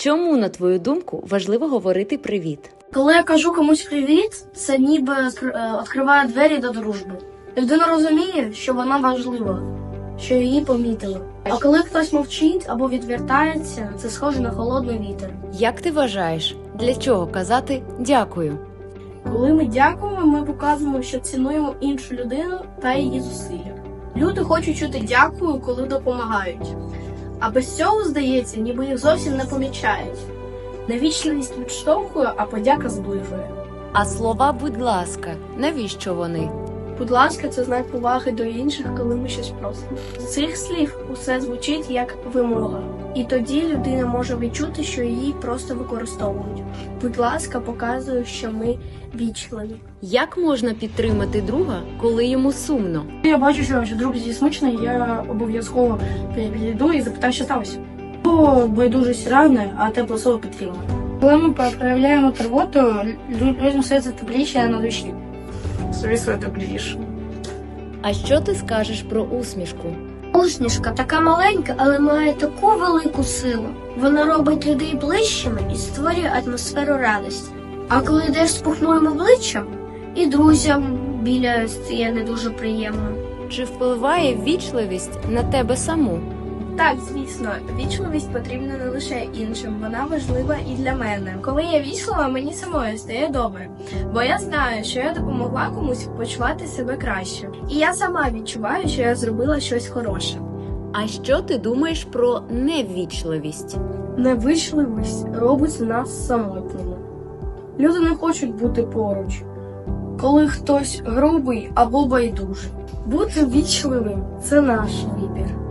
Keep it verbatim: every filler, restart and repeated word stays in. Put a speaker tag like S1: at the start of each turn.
S1: Чому, на твою думку, важливо говорити «привіт»?
S2: Коли я кажу комусь привіт, це ніби відкриває двері до дружби. Людина розуміє, що вона важлива, що її помітили. А коли хтось мовчить або відвертається, це схоже на холодний вітер.
S1: Як ти вважаєш, для чого казати «дякую»?
S2: Коли ми дякуємо, ми показуємо, що цінуємо іншу людину та її зусилля. Люди хочуть чути дякую, коли допомагають. А без цього, здається, ніби їх зовсім не помічають. Невічливість відштовхує, а подяка зближує.
S1: А слова «будь ласка» – навіщо вони?
S2: Будь ласка, це знак поваги до інших, коли ми щось просимо. З цих слів усе звучить як вимога. І тоді людина може відчути, що її просто використовують. Будь ласка, показує, що ми вічливі.
S1: Як можна підтримати друга, коли йому сумно?
S2: Я бачу, що друг зі смичний, я обов'язково підійду і запитаю, що сталося. Бо байдужість ране, а тепле слово підтримує. Коли ми проявляємо турботу, людям стається тепліше на душі. Звісно, тепліше.
S1: А що ти скажеш про усмішку?
S2: Усмішка така маленька, але має таку велику силу. Вона робить людей ближчими і створює атмосферу радості. А коли йдеш з пухною обличчям, і друзям біля стає не дуже приємно.
S1: Чи впливає ввічливість на тебе саму?
S2: Так, звісно, вічливість потрібна не лише іншим, вона важлива і для мене. Коли я вічлива, мені самою стає добре, бо я знаю, що я допомогла комусь почувати себе краще. І я сама відчуваю, що я зробила щось хороше.
S1: А що ти думаєш про неввічливість?
S2: Невичливість робить нас самотніми. Люди не хочуть бути поруч, коли хтось грубий або байдужий. Бути вічливим – це наш вибір.